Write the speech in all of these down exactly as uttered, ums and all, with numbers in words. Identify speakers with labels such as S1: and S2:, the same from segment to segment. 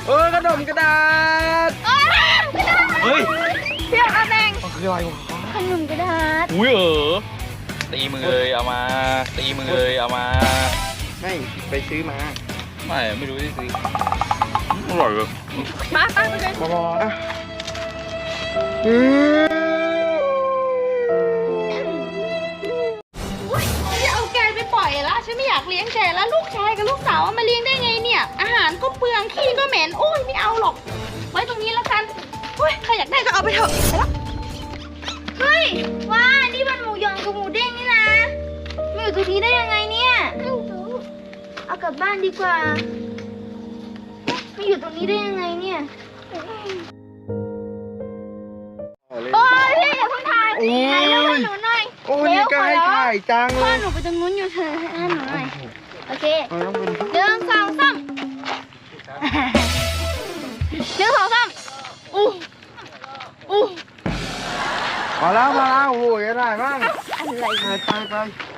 S1: เออขนมกระดาษเฮ้ย
S2: เพี่ยวอาแดง
S1: คืออะไรวะ
S2: ขนมกระดาษ
S1: อุ้ยเออตีมือเลยเอามาตีมือเลยเอามา
S3: ไม่ไปซื้อมา
S1: ไม่ไม่รู้ที่ซื้ออร่อยเลย
S2: มาตั้งไปเลย
S3: บอ
S2: จะเอาแกไปปล่อยแล้วฉันไม่อยากเลี้ยงแกแล้วลูกชายกับลูกสาวมาเลี้ยงได้ไงเนี่ยอาหารก็เปลืองขี้ก็เหม็นโอ้ยไม่เอาหรอกไว้ตรงนี้แล้วกันเฮ้ยใครอยากได้ก็เอาไปเถอะไปละเฮ้ยว้านี่มันหมูยองกับหมูเด้งนี่นะมาอยู่ตรงนี้ได้ยังไงเนี่ยเอากลับบ้านดีกว่ามาอยู่ตรงนี้ได้ยังไงเนี่ยโอ้ยพี่อย่าเพิ่งถ่ายถ่ายแล้วหนูหน่อย
S3: โอ้ยนี่ก็ให้ถ่ายจังเลย
S2: พ่อหนูไปตรงนู้นอยู่เธอให้หนูหน่อยโอเคหนึ่งสองสามหนึ่งสองสามอู้อู้
S3: มาแล้วมาแล้วโอ้ยได้บ้าง
S2: อะไร
S3: ไปไปไป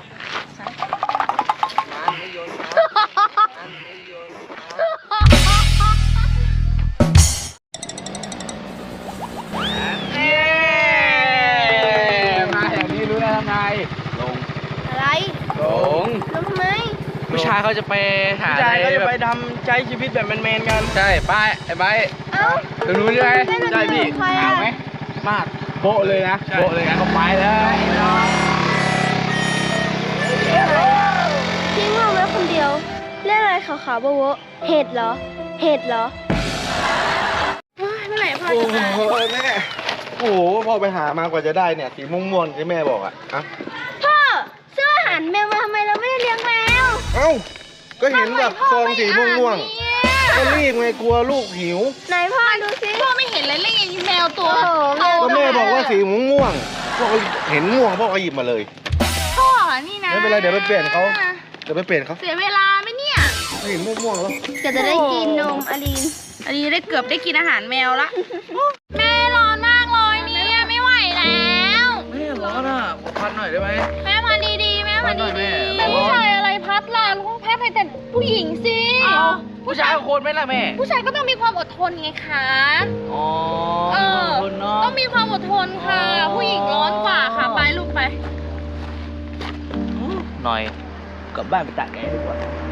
S3: มาอย่างนี้รู้แล้วทำไงลง
S2: อะไร
S3: ลง
S2: ลงทำไม
S1: ผู้ชายเขาจะไปหา
S3: ผู้ชายเขาจะไปทำใช้ชีวิตแบบแมนๆกัน
S1: ใช่ป้ายไอ้ใบ
S2: เอ้า
S1: ตรงนู้นใช่ไหม
S3: ใช่พี่ถามไหมมากโบ๊ะเลยนะโบ๊ะเลยนะก็ไปแล้ว
S2: ทิ้งเราไว้คนเดียวเรียกอะไรขาวๆโบ๊ะเห็ดเหรอเห็ดเหรอเมื่อไหร่พ่อจะมา
S3: โอ้โหแม่โอ้โหพ่อไปหามากว่าจะได้เนี่ยสีม่วงๆที่แม่บอกอ่ะอะ
S2: พ่อซื้ออาหารแมวมาทำไมเราไม่ได้เลี้ยงแมว
S3: เอ้าก็เห็นแบบซองสีม่วงๆก็รีบไงกลัวลูกหิว
S2: ไหนพ่อดูสิพ่อไม่เห็นเลยเล่นแมวตัว
S3: ก็แม่บอกว่าสีม่วงพ่อก็เห็นม่วงพ่อก็หยิบมาเลย
S2: พ่อนี่นะ
S3: ไม่เป็นไรเดี๋ยวไปเปลี่ยนเขาเดี๋ยวไปเปลี่ยนเขา
S2: เสียเวลาไหมเนี่ย
S3: ไม่เห็นม่วงๆแล้ว
S2: จะจะได้กินนมอลีนอลีนได้เกือบได้กินอาหารแมวละแม่ร้อนมากเลยเนี่ยไม่ไหวแล้ว
S1: แม่ร้อนอ่ะพัดหน่อยได้ไหม
S2: แม่พัดดีๆแม่พัดดีๆแม่ผู้ชายอะไรพัดล่ะลูกพัดให้แต่ผู้หญิงสิ
S1: ผู้ชายโคนไหมล่ะแม่
S2: ผู้ชายก็ต้องมีความอดทนไงคะ
S1: อ๋อ
S2: เออต้องมีความอดทนค่ะผู้หญิงร้อนกว่าค่ะไปลูกไป
S1: หน่อยกลับบ้านไปตากแดดดีกว่า